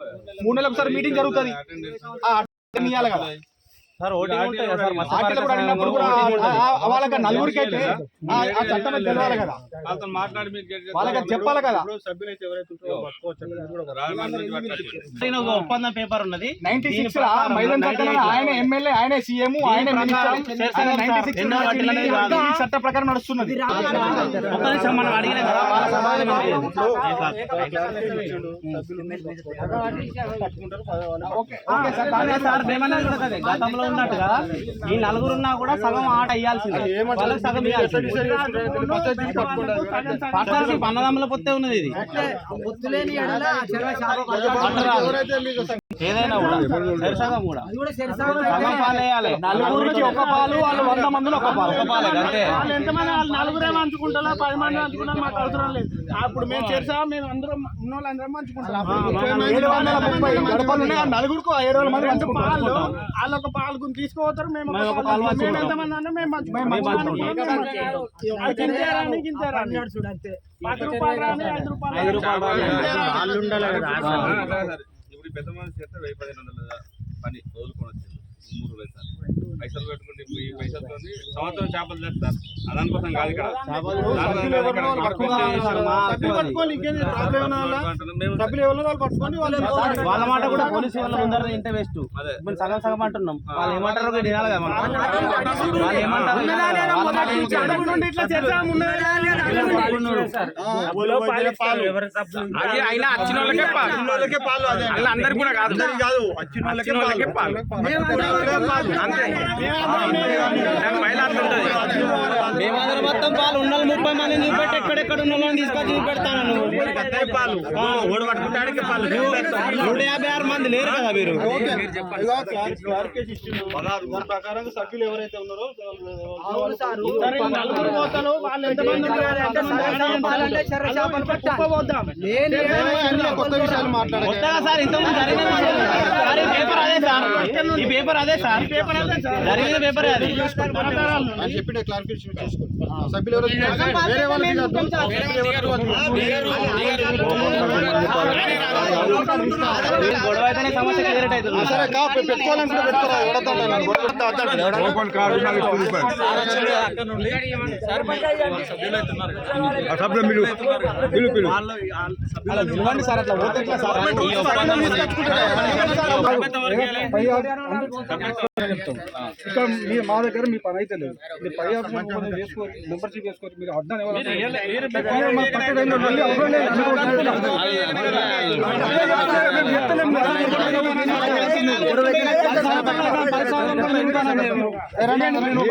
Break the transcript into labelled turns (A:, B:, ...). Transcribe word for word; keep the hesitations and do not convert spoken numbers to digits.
A: మూడు నెలలకు ఒకసారి మీటింగ్ జరుగుతుంది ఇవ్వాలి కదా
B: సార్ ఓటింగ్ ఉంటాయి కదా సార్
A: ఆటలు కూడా అడిగినప్పుడు కూడా వాళ్ళకి నలుగురికి అయితే ఆ చట్టం తెలవాలి కదా
C: మాట్లాడి
A: వాళ్ళకి చెప్పాలి కదా.
B: ఒప్పందం పేపర్ ఉన్నది
A: నైన్టీ సిక్స్ ఆయన ఎమ్మెల్యే ఆయన సీఎం ఆయన చట్ట ప్రకారం నడుస్తున్నది.
B: మనం అడిగిన కదా వాళ్ళ సమాధానం గతంలో ఉన్నట్టుగా ఈ నలుగురున్నా కూడా సగం ఆట అయ్యాల్సింది, వాళ్ళకి సగం పార్ట్నర్షిప్ అన్నదమ్ముల పొత్తే ఉన్నది. ఇది ఏదైనా కూడా సరిసగం కూడా సగం పాలు వేయాలి.
A: నలుగురికి ఒక పాలు, వాళ్ళు వంద మందిలో ఒక పాలు
B: ఒక పాలు అంతే.
D: ఎంతమంది వాళ్ళు నలుగురే పంచుకుంటారా పది మంది పంచుకుంటారు మాకు అవసరం లేదు. అప్పుడు మేము చేసా మేము అందరం ఉన్న వాళ్ళందరం పంచుకుంటాం.
A: ఏడు వందల ముప్పై గడపలు ఉన్నాయి, ఆ నలుగురికి ఏడు వందల మంది
D: పాలు వాళ్ళు ఒక పాలు తీసుకుపోతారు, మేము మేము ఎంతమంది అన్నా మేము పంచుకుంటాం. పది రూపాయలు రాని ఐదు రూపాయలు
C: ఇప్పుడు పెద్ద మనిషి చేస్తే వెయ్యి పదిహేను వందల పని వదులుకొని వచ్చింది మూడు వేలు సార్. పైసలు పెట్టుకుంటే ఈ పైసలతో సంవత్సరం చేపలు చేస్తారు. దానికోసం కాదు ఇక్కడ
B: వాళ్ళ మాట కూడా పోలీసు వాళ్ళ ముందర ఇంటే వేస్ట్. సగం సగం అంటున్నాం, వాళ్ళు ఏమంటారో వినాలి కదా మనం. వాళ్ళు ఏమంటారు అయినా వచ్చిన వాళ్ళకే పాలు, అలా అందరికి కూడా కాదు కాదు వచ్చిన వాళ్ళకే పాలు. మేమందరం మొత్తం పాలు ఉన్న ముప్పై మంది చూపెట్టి ఎక్కడెక్కడ ఉన్న వాళ్ళని తీసుకొచ్చి చూపెడతాను. పాలు ఓడి పట్టుకుంటాడికి పాలు నూట యాభై ఆరు మంది లేరు కదా మీరు.
A: ప్రకారం సభ్యులు ఎవరైతే ఉన్నారో
D: నలుగురు పోతారు, వాళ్ళు ఎంతమంది
A: కొత్త విషయాలు మాట్లాడారు
B: కొత్తగా సార్ ఇంతకుముందు జరిగిన పేపర్ అదే సార్, ఈ పేపర్ అదే సార్, జరిగిన పేపర్ అది
A: చెప్పి క్లారిఫికేషన్ చేసుకోండి. సభ్యులు ఎవరు వేరే వాళ్ళు
B: గొడవ అయితేనే సమస్య క్లియర్ అవుతుంది.
A: సరే పెట్టుకోవాలంటే పెట్టుకోరా సార్ అట్లా పోతే మీరు మా దగ్గర మీ పని అయితే లేదు. మీరు పై ఆప్షన్ వేసుకోరు, మెంబర్షిప్ వేసుకోరు. మీరు అర్థం ఎవరు